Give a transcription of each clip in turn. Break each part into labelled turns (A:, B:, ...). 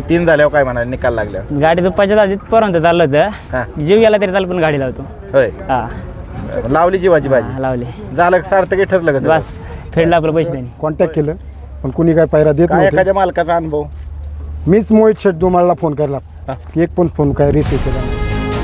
A: तीन झाल्यावर काय म्हणाले निकाल लागल्यावर?
B: गाडी दुपारच्या आधीत पर्यंत चाललं होतं, जीव गेला तरी चालू पण गाडी लावतो.
A: होय,
B: हा
A: लावली जीवाची बाजी.
B: लावली,
A: झालं सार्थक ठरलं का?
B: बस फेडलं आपलं पैसे त्यांनी.
C: कॉन्टॅक्ट केलं पण कुणी काय पायरा देत
A: काय
C: नव्हते.
A: एखाद्या मालकाचा अनुभव?
C: मीच मोहित शेठ दुमाळला फोन केला, एक पण फोन काय रिसिव्ह केला नाही.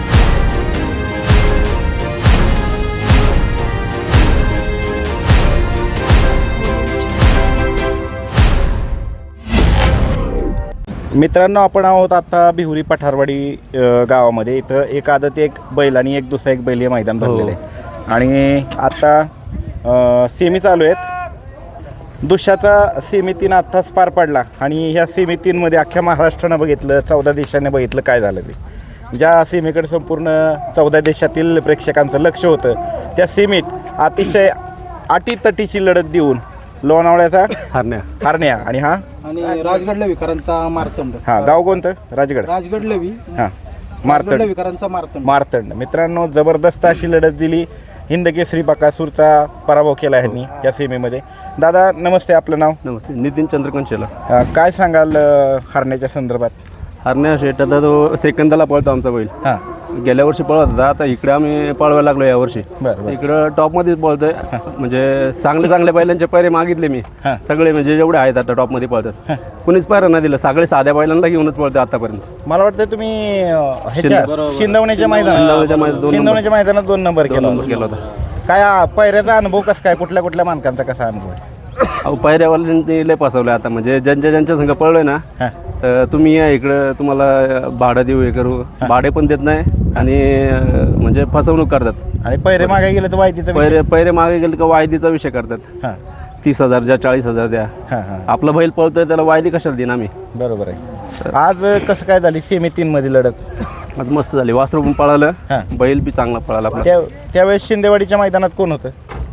A: मित्रांनो, आपण आहोत आता बिहुरी पठारवाडी गावामध्ये. इथं एक आदत एक बैल आणि एक दुसरा एक बैल हे मैदान भरलेलं आहे. आणि आता सेमी चालू आहेत. दुशाचा सेमी 3 आत्ताच पार पडला आणि ह्या सेमी 3मध्ये अख्ख्या महाराष्ट्रानं बघितलं, 14 देशाने बघितलं काय झालं ते. ज्या सेमीकडे संपूर्ण 14 देशातील प्रेक्षकांचं लक्ष होतं, त्या सेमीत अतिशय अटीतटीची लढत देऊन लोणावळ्याचा हरण्या आणि
D: राजगड लवीकरांचा मारतंड.
A: गाव कोणतं? राजगड
D: लवी.
A: मारतंड.
D: लवीकरांचा
A: मारतंड. मित्रांनो, जबरदस्त अशी लढत दिली. हिंद केसरी बकासूरचा पराभव केला ह्यांनी या सेमीमध्ये. दादा नमस्ते, आपलं नाव?
E: नमस्ते, नितीन चंद्रकांत शेला.
A: काय सांगाल हरण्याच्या संदर्भात?
E: हरण्या शेट आता तो सेकंदाला पळतो आमचा बैल. गेल्या वर्षी पळत होता, आता इकडे आम्ही पळवायला लागलो यावर्षी. इकडं टॉपमध्येच पळतोय. म्हणजे चांगले बैलांचे पैरे मागितले मी सगळे, म्हणजे जेवढे आहेत आता टॉपमध्ये पळतात. कुणीच पैरा नाही दिलं, सगळे साध्या बैलांना घेऊनच पळतो आतापर्यंत.
A: मला वाटतं तुम्ही शिंदवण्याच्या मैदानात 2 नंबर केला
E: होता.
A: काय पैऱ्याचा अनुभव कसा काय? कुठल्या मानकांचा कसा अनुभव आहे?
E: अहो, पैऱ्यावाल्यांनी लय फसवलं आता. म्हणजे ज्यांच्या संघ पळलोय ना, तर तुम्ही या इकडं, तुम्हाला भाडं देऊ, हे करू, भाडे पण देत नाही आणि म्हणजे फसवणूक करतात.
A: आणि पैरे मागे गेले तर वायदीचा
E: पैरे मागे गेले का वायदीचा विषय करतात. 30,000 द्या, 40,000 द्या. आपला बैल पळतोय त्याला वायदी कशाला देईन आम्ही?
A: बरोबर आहे. आज कसं काय झाली सेमी 3 मध्ये लढत?
E: आज मस्त झाली. वासरू पण पळालं, बैल बी चांगला पळाला.
A: त्यावेळेस शिंदेवाडीच्या मैदानात कोण होतं?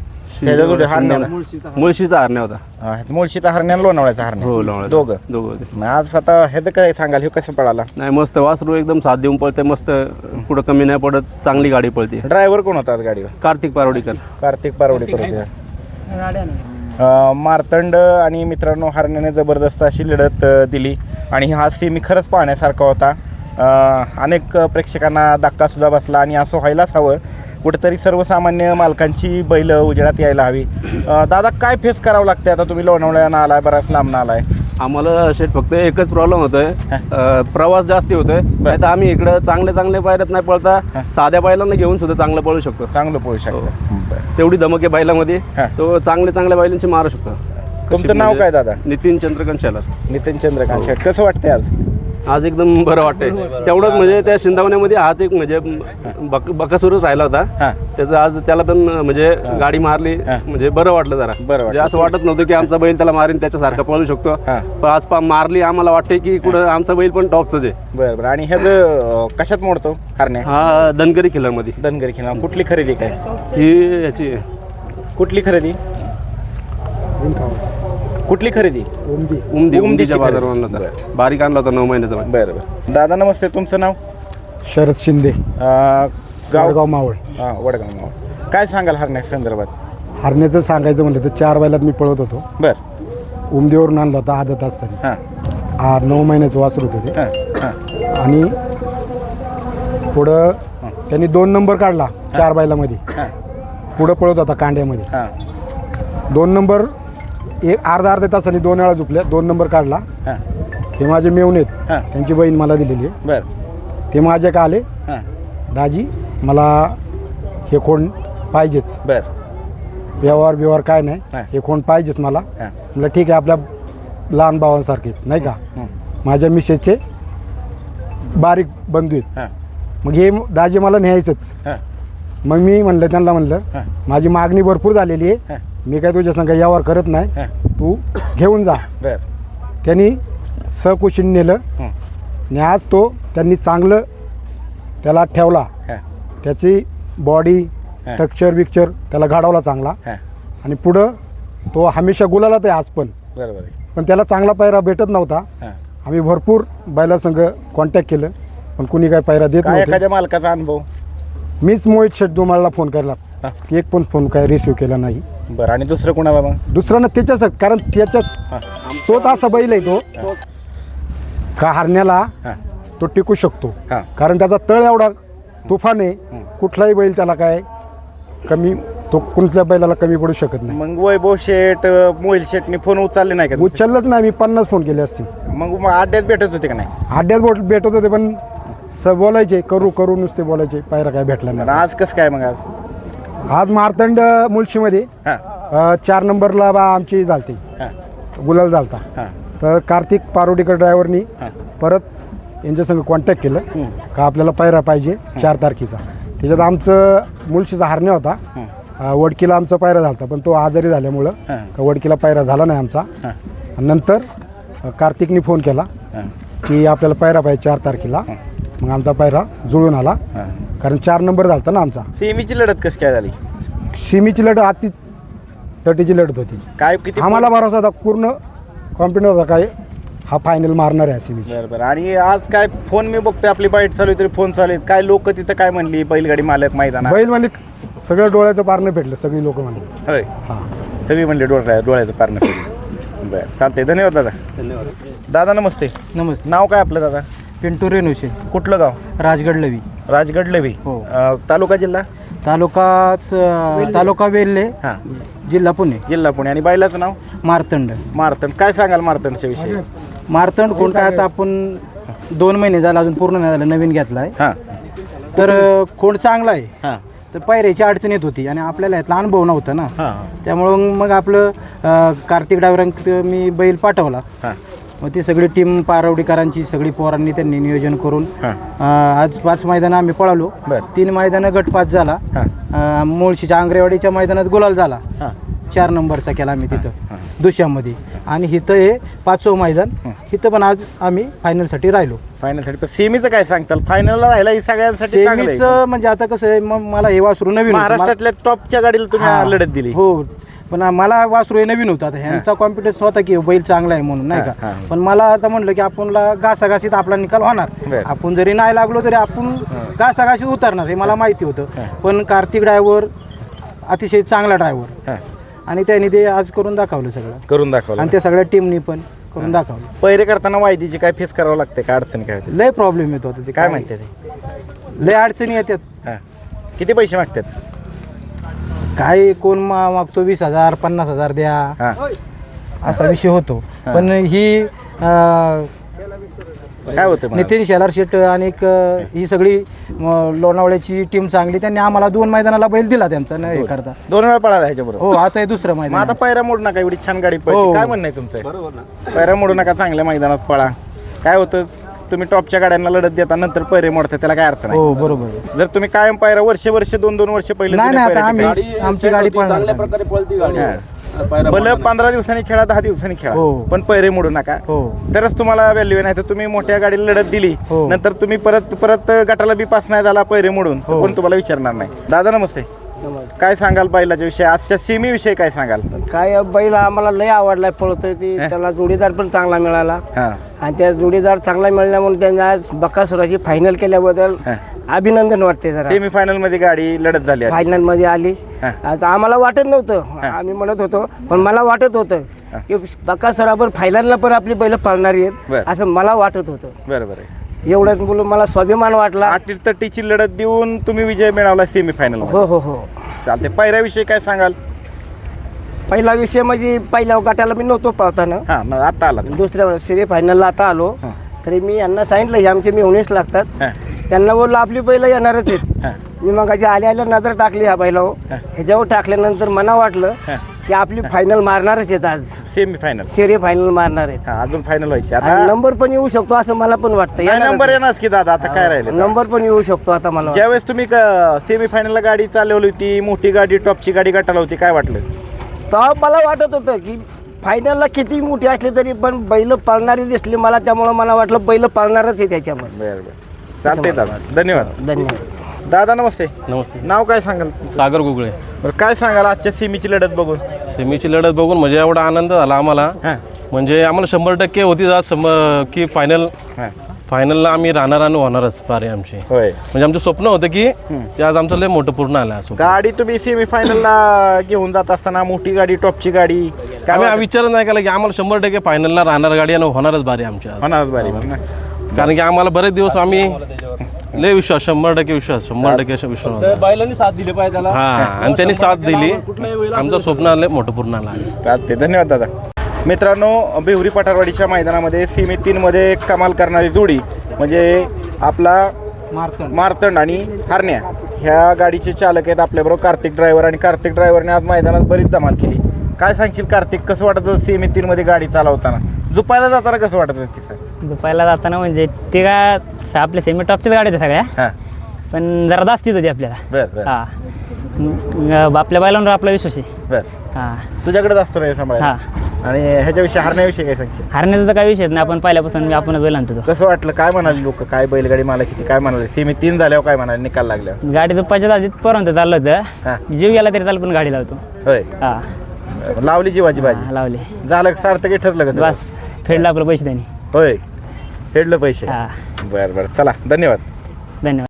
E: मुळशीचा हरण्या होता.
A: मुळशीचा हरण्या, लोणावळ्याचा हरण्या.
E: हो,
A: दोघं. आज आता ह्याचं काय सांगाल, हे कसं पळाला?
E: नाही, मस्त वासरू एकदम साथ देऊन पळते, मस्त पुढं कमी नाही पडत, चांगली गाडी पळते.
A: ड्रायव्हर कोण होता आज गाडीवर?
E: कार्तिक पारवडीकर
A: होते. मारतंड आणि मित्रांनो, हरण्याने जबरदस्त अशी लढत दिली आणि हा सेमी खरंच पाहण्यासारखा होता. अनेक प्रेक्षकांना धक्कासुद्धा बसला आणि असं व्हायलाच हवं. कुठेतरी सर्वसामान्य मालकांची बैल उजेडात यायला हवी. दादा, काय फेस करावं लागते आता? तुम्ही लोणावळ्यानं आलाय, बराच लांबनं आलाय.
E: आम्हाला शेट फक्त एकच प्रॉब्लेम होतोय, प्रवास जास्ती होतोय. नाही तर आम्ही इकडं चांगले पायऱ्यात नाही पळता, साध्या बैलांना घेऊन सुद्धा चांगलं पळू शकतो. तेवढी धमक आहे बैलामध्ये, तो चांगल्या बैलांची मारू शकतो.
A: तुमचं नाव काय दादा?
E: नितीन चंद्रकांत शेलार.
A: नितीन चंद्रकांत शेलार. कसं वाटतंय
E: आज एकदम बरं वाटतंय. तेवढंच म्हणजे त्या शिंदावण्यामध्ये आज एक म्हणजे बकासूरच राहिला होता, त्याचं आज त्याला पण म्हणजे गाडी मारली, म्हणजे बरं वाटलं जरा. म्हणजे असं वाटत नव्हतं की आमचा बैल त्याला मारीन त्याच्यासारखा पळू शकतो, पण आज मारली. आम्हाला वाटते की कुठं आमचा बैल पण टॉपच आहे.
A: बरं. आणि ह्याचं कशात मोडतो हरण्या?
E: हा धनगरी खिल्लारमध्ये.
A: धनगरी खिल्लार. कुठली खरेदी काय
E: ही याची?
A: कुठली खरेदी?
E: उमदीच्या बाजारावर आणला होता, बारीक आणला होता, 9 महिन्याचा.
A: बरं. दादा नमस्ते, तुमचं नाव?
C: शरद शिंदे, गाव मावळ.
A: वडगाव मावळ. काय सांगाल हरण्या संदर्भात?
C: हरण्याचं सांगायचं म्हणलं तर 4 बैलात मी पळत होतो. उमदीवरून आणला होता आदत असताना. 9 महिन्याचं वासरू होतं ते. आणि पुढं त्यांनी 2 नंबर काढला 4 बैलामध्ये. पुढं पळत होता कांड्यामध्ये. 2 नंबर अर्धा तासाने 2 वेळा झुपल्या, 2 नंबर काढला. हे माझे मेवणे आहेत, त्यांची बहीण मला दिलेली आहे. ते माझ्या का आले, दाजी मला हे कोण पाहिजेच, व्यवहार काय नाही, हे कोण पाहिजेच मला. म्हटलं ठीक आहे, आपल्या लहान भावांसारखे नाही का, माझ्या मिसेसचे बारीक बंधू आहेत. मग हे दाजी मला न्यायचंच. मग मी त्यांना म्हणलं माझी मागणी भरपूर झालेली आहे, मी काय तुझ्या संग व्यवहार करत नाही, तू घेऊन जा. त्यांनी सकुशीने नेलं आणि आज तो त्यांनी चांगलं त्याला ठेवला. त्याची बॉडी टेक्स्चर त्याला घडवला चांगला. आणि पुढं तो हमेशा गुलालात आहे आज पण. पण त्याला चांगला पायरा भेटत नव्हता. आम्ही भरपूर बैलासंग कॉन्टॅक्ट केलं, पण कुणी काय पायरा देत नव्हते.
A: एखाद्या मालकाचा अनुभव?
C: मीच मोहित शेठ दुमाळला फोन केला, एक पण फोन काय रिसिव्ह केला नाही.
A: बरं. आणि दुसरं कोणाला? मग
C: दुसरा ना त्याच्याच, कारण त्याच्याच तोच असा बैल आहे तो. का हरण्याला
A: हां
C: तो टिकू शकतो.
A: हां
C: कारण त्याचा तळ एवढा तुफान आहे, कुठलाही बैल त्याला काय कमी, तो कोणत्या बैलाला कमी पडू शकत नाही.
A: मग वैभव शेठ मोहिल शेठनी फोन उचलले नाही का तुमचे?
C: उचललंच नाही, मी 50 फोन केले असतील.
A: मग अड्ड्यात भेटत होते का नाही?
C: अड्ड्यात भेटत होते पण बोलायचे करू नुसते बोलायचे, पायरा काय भेटला
A: आणि
C: नाही.
A: आज कसं काय मग आज?
C: आज मारतंड मुळशीमध्ये
A: हां
C: 4 नंबरला आमची झालती,
A: हां
C: गुलाल झालता.
A: हां
C: तर कार्तिक पारोडीकर ड्रायव्हरनी
A: हां
C: परत यांच्या संग कॉन्टॅक्ट केलं का आपल्याला पायरा पाहिजे 4 तारखेचा. त्याच्यात आमचं मुळशीचा हरण्या होता, वडकीला आमचा पायरा झाला पण तो आजारी झाल्यामुळं का वडकीला पायरा झाला नाही आमचा. आणि नंतर कार्तिकनी फोन केला की आपल्याला पायरा पाहिजे 4 तारखेला. मग आमचा पायरा जुळून आला, कारण 4 नंबर झालता ना आमचा.
A: सेमीची लढत कशी काय झाली?
C: सिमीची लढत अति तटीची लढत होती.
A: काय किती?
C: आम्हाला भरोसा होता, पूर्ण कॉन्फिडन्स होता काय हा फायनल मारणार आहे सिमीची.
A: बरं बरं. आणि आज काय फोन मी बघतोय आपली बाईट चालू आहे तरी फोन चालू आहेत, काय लोक तिथं काय म्हणली बैलगाडी मालक मैदानात?
C: बैल मालिक सगळं डोळ्याचं पारणं भेटलं, सगळी लोक म्हणली.
A: होय
C: हां
A: सगळी म्हणली डोळ्याचं पारणं केलं. बरं चालतंय, धन्यवाद दादा.
E: धन्यवाद.
A: दादा नमस्ते.
D: नमस्ते.
A: नाव काय आपलं दादा?
D: पिंटू रेणुशे,
A: कुठलं गाव?
D: राजगड लवी.
A: राजगड लवी.
D: हो.
A: तालुका जिल्हा?
D: तालुका वेल्हे,
A: हां
D: जिल्हा पुणे.
A: जिल्हा पुणे. आणि बैलाचं नाव?
D: मारतंड.
A: मारतंड. काय सांगाल मारतंडच्या विषयी?
D: मारतंड कोण काय, आता आपण 2 महिने झाला, अजून पूर्ण नाही झालं, नवीन घेतला आहे.
A: हां
D: तर कोण चांगला आहे,
A: हां
D: तर पायऱ्याची अडचण येत होती आणि आपल्याला यातला अनुभव नव्हता ना.
A: हां
D: त्यामुळं मग आपलं कार्तिक ड्रायव्हरांक मी बैल पाठवला.
A: हां
D: मग ती सगळी टीम पारवडीकरांची सगळी पोरांनी त्यांनी नियोजन करून आज 5 मैदानं आम्ही पळालो.
A: बरं.
D: 3 मैदानं गटपास झाला. मुळशीच्या आंग्रेवाडीच्या मैदानात गुलाल झाला.
A: हां
D: 4 नंबरचा केला आम्ही तिथं दुशामध्ये. आणि इथं हे 5वं मैदान, इथं पण आज आम्ही फायनलसाठी राहिलो.
A: फायनलसाठी. पण सेमीचं काय सांगताल? फायनलला राहिला ही सगळ्यांसाठी चांगलं आहे.
D: सेमीचं म्हणजे आता कसं आहे, मग मला हे वासरू नवीन होतं.
A: महाराष्ट्रातल्या टॉपच्या गाडीला तुम्ही
D: हां.
A: लढत दिली.
D: हो, पण मला वासरू हे नवीन होतं. आता ह्यांचा कॉन्फिडन्स होता की बैल चांगला आहे म्हणून, नाही
A: हां,
D: का.
A: हां.
D: पण मला आता म्हणलं की आपणला घासाघासीत आपला निकाल होणार.
A: बरं.
D: आपण जरी नाही लागलो तरी आपण घासाघासीत उतरणार हे मला माहिती होतं. पण कार्तिक ड्रायव्हर अतिशय चांगला ड्रायव्हर,
A: हां
D: आणि त्यांनी ते आज करून दाखवलं सगळं.
A: करून दाखवलं.
D: आणि त्या सगळ्या टीमनी पण करून दाखवलं.
A: पहिरे करताना वायदीची काय फेस करावं लागते का? अडचणी काय होते?
D: लय प्रॉब्लेम येत होते ते.
A: काय म्हणते ते?
D: लय अडचणी येतात.
A: हां किती पैसे मागतात?
D: काय कोण मागतो 20,000 50,000 द्या,
A: हां
D: असा विषय होतो. पण ही
A: काय होतं मग?
D: नितीन शेलार शेट आणि ही सगळी लोणावळ्याची टीम चांगली. त्यांनी आम्हाला 2 मैदानाला बैल दिला त्यांचा न हे करता.
A: 2 वेळा पळाला ह्याच्याबरोबर.
D: हो, आता हे दुसरं
A: मग
D: मैदान.
A: आता पायऱ्या मोडू नका, एवढी छान गाडी पळते.
D: हो.
A: काय म्हणणं आहे तुमचं?
E: बरोबर ना.
A: पायऱ्या मोडू नका, चांगल्या मैदानात पळा. काय होतं, तुम्ही टॉपच्या गाड्यांना लढत देता, नंतर पैरे मोडता, त्याला काय अर्थ नाही.
D: हो, बरोबर.
A: जर तुम्ही कायम पायऱ्या वर्ष 2-2 वर्ष पहिले
D: नाही,
A: जुने
D: नाही, आता
A: पायऱ्या
D: आम्ही-
A: टिकायचे.
D: आमची गाडी
E: set होती,
D: पळणार.
E: चांगल्या प्रकारे पळती गाडी.
A: हां.
E: पायऱ्या
A: भलं
E: पळणार.
A: 15 दिवसांनी खेळा, 10 दिवसांनी खेळा,
D: हो.
A: पण पैरे मोडू नका.
D: हो.
A: तरच तुम्हाला व्हॅल्यू नाही. तर तुम्ही मोठ्या गाडीला लढत दिली,
D: हो.
A: नंतर तुम्ही परत गटाला बी पास नाही झाला पैरे मोडून, तर कोण तुम्हाला विचारणार नाही. दादा नमस्ते. काय सांगाल बैलाच्या विषयी, आजच्या सेमी विषयी काय सांगाल?
F: काय बैल आम्हाला लय आवडलाय, पळतोय ती. त्याला जोडीदार पण चांगला मिळाला,
A: हां
F: आणि त्या जोडीदार चांगला मिळाल्यामुळे त्यांनी आज बकासुराची फायनल केल्याबद्दल अभिनंदन वाटते. जरा
A: सेमी फायनल मध्ये गाडी लढत झाली.
F: फायनल मध्ये आली.
A: हां.
F: आता आम्हाला वाटत नव्हतं, आम्ही म्हणत होतो, पण मला वाटत होतं की बकासुरावर फायनलला पण आपली बैल पळणारी आहेत,
A: बरं.
F: असं मला वाटत होतं.
A: बरोबर आहे.
F: एवढंच बोलून मला स्वाभिमान वाटला.
A: 8-30ची लढत देऊन तुम्ही विजय मिळवला सेमी फायनल.
F: हो हो हो.
A: चालते. पायऱ्याविषयी काय सांगाल?
F: पहिला विषय म्हणजे पहिल्या गटाला मी नव्हतो पळताना,
A: हां मग आता आला.
F: दुसऱ्या सेमी फायनलला आता आलो. तरी मी यांना सांगितलं हे आमचे मेहुणेच लागतात.
A: हां
F: त्यांना बोललं आपली बैल येणारच आहेत.
A: हां
F: मी मग आल्या नजर टाकली ह्या बैलावर. ह्याच्यावर टाकल्यानंतर मला वाटलं की आपली फायनल मारणारच आहेत आज,
A: सेमी फायनल.
F: सेरी फायनल मारणार आहेत.
A: हां अजून फायनल व्हायची
F: आणि
A: आता.
F: नंबर पण येऊ शकतो असं मला पण वाटतं.
A: नाही,
F: येणारच
A: नंबर
F: आहे.
A: येणार की दादा, आता काय राहिले.
F: नंबर पण येऊ शकतो आता मला वाटतं.
A: ज्यावेळेस तुम्ही सेमी फायनलला गाडी चालवली होती, मोठी गाडी, टॉपची गाडी गटाला होती, काय वाटलं?
F: तेव्हा मला वाटत होतं की फायनलला किती मोठी असली तरी पण बैल पळणारी दिसली मला, त्यामुळं मला वाटलं बैल पळणारच आहे त्याच्यामध्ये.
A: बरं बरं चालते दादा, धन्यवाद.
F: धन्यवाद.
A: दादा नमस्ते.
G: नमस्ते.
A: नाव काय सांगाल?
G: सागर गुगळे.
A: बरं काय सांगाल आजच्या सेमीची लढत बघून?
G: सेमीची लढत बघून म्हणजे एवढा आनंद झाला आम्हाला.
A: हां
G: म्हणजे आम्हाला 100% होती आज की
A: हां
G: फायनलला आम्ही राहणार आणि होणारच पारे आमची.
A: होय.
G: म्हणजे आमचं स्वप्न होतं की ते आज आमचं लय मोठं पूर्ण आलं असं.
A: गाडी तुम्ही सेमी फायनलला घेऊन जात असताना, मोठी गाडी, टॉपची गाडी,
G: आम्ही हा विचार नाही केला की आम्हाला 100% फायनलला राहणार गाडी आणि होणारच बारी आमच्या आज.
A: होणारच बारी मग ना.
G: कारण की आम्हाला बरेच दिवस आम्ही लय विश्वास 100% विश्वास 100% विश्वास होता.
E: बैलांनी साथ दिली पाहिजे त्याला.
G: हा आणि त्यांनी साथ दिली. आमचं स्वप्न आलं मोठं पूर्ण आलं आज.
A: चालते, धन्यवाद दादा. मित्रांनो, बिहुरी पठारवाडीच्या मैदानामध्ये सेमी 3मध्ये कमाल करणारी जोडी म्हणजे आपला मार्तंड आणि हरण्या ह्या गाडीचे चालक आहेत आपल्याबरोबर कार्तिक ड्रायव्हर. आणि कार्तिक ड्रायव्हरने आज मैदानात बरीच धमाल केली. काय सांगशील कार्तिक, कसं वाटत सेमी 3मध्ये गाडी चालवताना? झुपायला जाताना कसं वाटत होती सर?
B: दुपायला जाताना म्हणजे ते काय आपल्या सेमी टॉपच्याच गाड्या होत्या सगळ्या,
A: हां,
B: पण जरा जास्तीच होती आपल्याला.
A: बरं
B: हा आपल्या बैलांवर आपला विश्वास आहे.
A: बरं,
B: हा
A: तुझ्याकडेच असतो ना हे सांभाळायला.
B: हा
A: आणि ह्याच्याविषयी हरण्याविषयी काय सांगशील?
B: हरण्याचा तर काही विषयच नाही, आपण पहिल्यापासून आपणच बैल आणतो.
A: कसं वाटलं, काय म्हणाले लोक, काय बैलगाडी मला किती काय म्हणाले? सेमी 3 झाल्यावर काय म्हणाले निकाल लागल्यावर?
B: गाडी दुपारच्या आधीच पर्यंत चाललं
A: हा.
B: होतं, जीव गेला तरी चाल पण गाडी लावतो.
A: होय,
B: हा
A: लावली जीवाची
B: हा,
A: बाजी.
B: लावले
A: झालं का? सार्थक हे ठरलं कसं?
B: बस फेडलं आपलं पैसे त्यांनी.
A: होय, फेडलं पैसे.
B: हा
A: बरं बरं, चला, धन्यवाद.
B: धन्यवाद.